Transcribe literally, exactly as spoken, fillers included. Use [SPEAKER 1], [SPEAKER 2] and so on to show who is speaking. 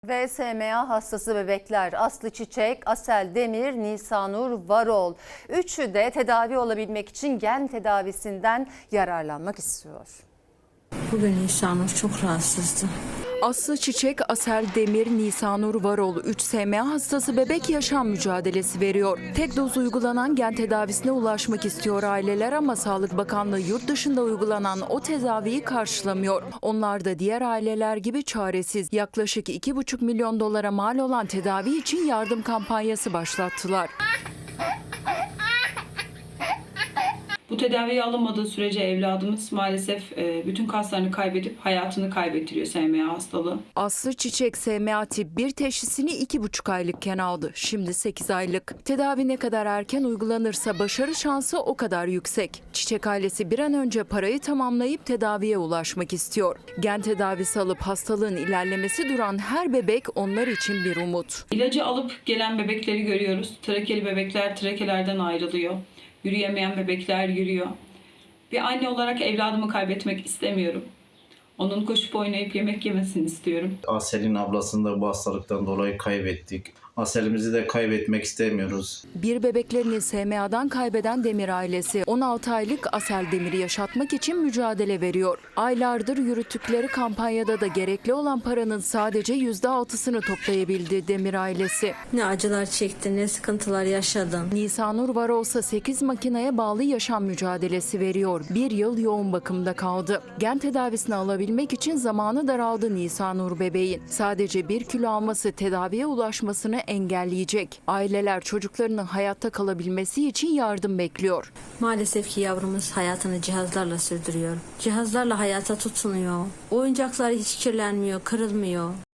[SPEAKER 1] Ve S M A hastası bebekler Aslı Çiçek, Asel Demir, Nisanur Varol. Üçü de tedavi olabilmek için gen tedavisinden yararlanmak istiyor.
[SPEAKER 2] Bugün Nisanur çok rahatsızdı.
[SPEAKER 3] Aslı Çiçek, Asel Demir, Nisanur Varol üç S M A hastası bebek yaşam mücadelesi veriyor. Tek doz uygulanan gen tedavisine ulaşmak istiyor aileler ama Sağlık Bakanlığı yurt dışında uygulanan o tedaviyi karşılamıyor. Onlar da diğer aileler gibi çaresiz. Yaklaşık iki buçuk milyon dolara mal olan tedavi için yardım kampanyası başlattılar.
[SPEAKER 4] Bu tedaviye alınmadığı sürece evladımız maalesef bütün kaslarını kaybedip hayatını kaybettiriyor S M A hastalığı.
[SPEAKER 3] Aslı Çiçek S M A tip bir teşhisini iki buçuk aylıkken aldı. Şimdi sekiz aylık. Tedavi ne kadar erken uygulanırsa başarı şansı o kadar yüksek. Çiçek ailesi bir an önce parayı tamamlayıp tedaviye ulaşmak istiyor. Gen tedavisi alıp hastalığın ilerlemesi duran her bebek onlar için bir umut.
[SPEAKER 4] İlacı alıp gelen bebekleri görüyoruz. Trakeli bebekler trakelerden ayrılıyor. Yürüyemeyen bebekler yürüyor. Bir anne olarak evladımı kaybetmek istemiyorum. Onun koşup oynayıp yemek yemesini istiyorum.
[SPEAKER 5] Asel'in ablasını da bu hastalıktan dolayı kaybettik. Asel'imizi de kaybetmek istemiyoruz.
[SPEAKER 3] Bir bebeklerini S M A'dan kaybeden Demir ailesi on altı aylık Asel Demir'i yaşatmak için mücadele veriyor. Aylardır yürüttükleri kampanyada da gerekli olan paranın sadece yüzde altısını toplayabildi Demir ailesi.
[SPEAKER 2] Ne acılar çekti, ne sıkıntılar yaşadım.
[SPEAKER 3] Nisanur Varolsa sekiz makineye bağlı yaşam mücadelesi veriyor. Bir yıl yoğun bakımda kaldı. Gen tedavisini alabilmek için zamanı daraldı Nisanur bebeğin. Sadece bir kilo alması tedaviye ulaşmasını engelleyecek. Aileler çocuklarının hayatta kalabilmesi için yardım bekliyor.
[SPEAKER 2] Maalesef ki yavrumuz hayatını cihazlarla sürdürüyor. Cihazlarla hayata tutunuyor. Oyuncakları hiç kirlenmiyor, kırılmıyor.